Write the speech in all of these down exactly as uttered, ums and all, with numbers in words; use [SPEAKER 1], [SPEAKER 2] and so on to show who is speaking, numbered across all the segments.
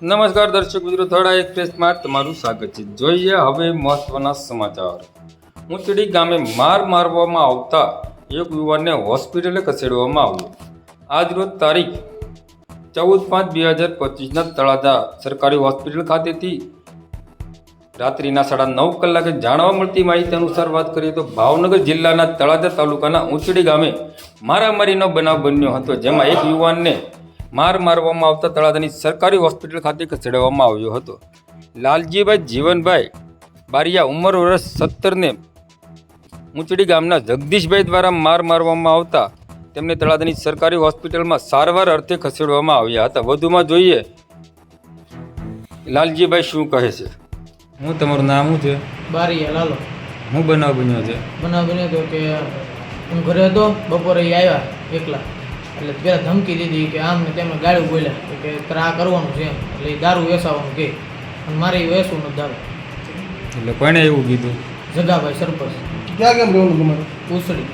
[SPEAKER 1] નમસ્કાર દર્શક મિત્રો, થોડા એક્સપ્રેસમાં તમારું સ્વાગત છે. જોઈએ હવે મહત્વના સમાચાર. ઊંચડી ગામે માર મારવામાં આવતા એક યુવાનને હોસ્પિટલે ખસેડવામાં આવ્યો. આજ રોજ તારીખ ચૌદ પાંચ બે હજાર પચીસના તળાજા સરકારી હોસ્પિટલ ખાતેથી રાત્રિના સાડા નવ કલાકે જાણવા મળતી માહિતી અનુસાર વાત કરીએ તો ભાવનગર જિલ્લાના તળાજા તાલુકાના ઊંચડી ગામે મારામારીનો બનાવ બન્યો હતો, જેમાં એક યુવાનને માર મારવામાં આવતા તળાજાની સરકારી હોસ્પિટલ ખાતે ખસેડવામાં આવ્યો હતો. લાલજીભાઈ જીવનભાઈ બારિયા ઉંમર વર્ષ સત્તરને ઊંચડી ગામના જગદીશભાઈ દ્વારા માર મારવામાં આવતા તેમને તળાજાની સરકારી હોસ્પિટલમાં સારવાર અર્થે ખસેડવામાં આવ્યા હતા. વધુમાં જોઈએ લાલજીભાઈ શું કહે છે. હું તમારું નામ શું છે?
[SPEAKER 2] બારિયા લાલો.
[SPEAKER 1] હું બનાવ બન્યો છે?
[SPEAKER 2] બનાવ બન્યો હતો કે હું ઘરે હતો, બપોરે એ આવ્યા એકલા, એટલે પહેલાં ધમકી દીધી કે આમ ને તેમને ગાળું બોલ્યા કે તારે આ કરવાનું છે એમ, એટલે એ દારૂ વેસાવાનું કહે અને મારે એ વેસવું નથી દારૂ.
[SPEAKER 1] એટલે કોણે એવું કીધું?
[SPEAKER 2] જગાભાઈ સરપંચ.
[SPEAKER 3] ક્યાં કેમ રહેવાનું તમારે?
[SPEAKER 2] ઉસળી.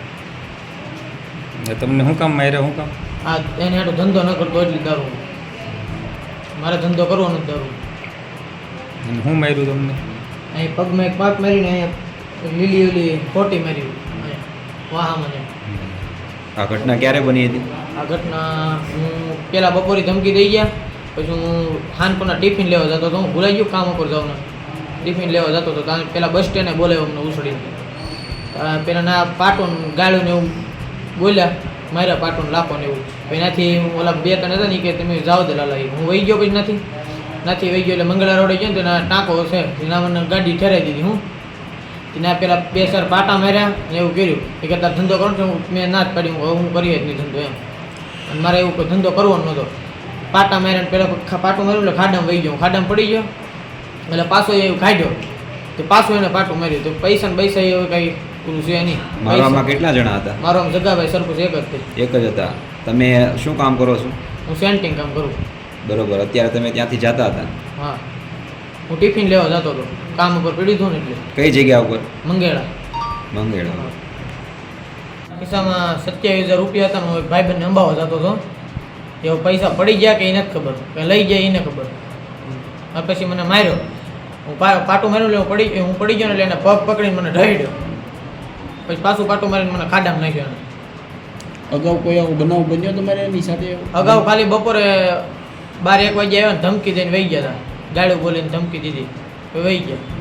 [SPEAKER 1] તમને શું કામ માર્યા? શું કામ?
[SPEAKER 2] આ એને હાટો ધંધો ન કરતો એટલી દારૂ, મારે ધંધો કરવાનો જ દારૂ.
[SPEAKER 1] અને શું માર્યું તમને?
[SPEAKER 2] અહીં પગમાં એક પાક મારીને અહીંયા લીલી ઓલી ખોટી મારી અહીંયા વાહ મને.
[SPEAKER 4] આ ઘટના ક્યારે બની હતી?
[SPEAKER 2] આ ઘટના હું પહેલાં બપોરે ધમકી દઈ ગયા, પછી હું ખાનપુરના ટિફિન લેવા જતો હતો. હું ભૂલાઈ ગયું કામ ઉપર જવાનું, ટિફિન લેવા જતો હતો ત્યાં પહેલાં બસ સ્ટેન્ડે બોલાવ્યો અમને ઉછળીને. પહેલાં ના પાટોન ગાળ્યું ને એવું બોલ્યા, માર્યા પાટોન લાખો ને એવું. પછી એનાથી ઓલા બે ત્રણ હતા ને કે તમે જાઓ દે લાલા, હું વહી ગયો. પછી નથી નથી વહી ગયો એટલે મંગળા રોડે ગયો ને તેના ટાંકો છે એના મને ગાડી ઠેરાઈ દીધી. હું ત્યાં પેલા બે ચાર પાટા માર્યા ને એવું કર્યું એ કે તાર ધંધો કરો છો. મેં ના જ પાડી, હું હું કરીએ જ નહીં ધંધો એમ, અને મારે એવું કોઈ ધંધો કરવાનો નહોતો. પાટા માર્યા ને પહેલાં પાટું માર્યું એટલે ખાડામાં વહી ગયો, ખાડામાં પડી ગયો એટલે પાછો એ કાઢ્યો તો પાછું એને પાટું માર્યું. તો પૈસા ને પૈસા એ કંઈ પૂરું છે નહીં.
[SPEAKER 4] મારવામાં કેટલા જણા હતા?
[SPEAKER 2] મારો આમ જગાભાઈ સરપંચ એક જ તે.
[SPEAKER 4] એક જ હતા. તમે શું કામ કરો છો?
[SPEAKER 2] હું સેન્ટિંગ કામ કરું.
[SPEAKER 4] બરોબર. અત્યારે તમે ત્યાંથી જતા હતા?
[SPEAKER 2] હા, હું ટિફિન લેવા જતો હતો, કામ ઉપર પડી હતું ને એટલે.
[SPEAKER 4] કઈ જગ્યા ઉપર?
[SPEAKER 2] મંગેળા.
[SPEAKER 4] મંગેળા.
[SPEAKER 2] ખિસ્સામાં સત્યાવીસ હજાર રૂપિયા હતા. હું એક ભાઈબંધને અંબાવા જતો હતો, એવો પૈસા પડી ગયા કે એ નથી ખબર, કે લઈ ગયા એને ખબર. આ પછી મને માર્યો, હું પાટું માર્યું એટલે પડી હું પડી ગયો ને એટલે એને પગ પકડીને મને ઢળ્યો. પછી પાછું પાટું મારીને મને ખાડામાં નાખ્યો એને.
[SPEAKER 3] અગાઉ કોઈ આવો બનાવ બન્યો તમારે એની સાથે?
[SPEAKER 2] અગાઉ ખાલી બપોરે બાર એક વાગે આવ્યા ને ધમકી દઈને વહી ગયા હતા, ગાળું બોલીને ધમકી દીધી, વહી ગયા.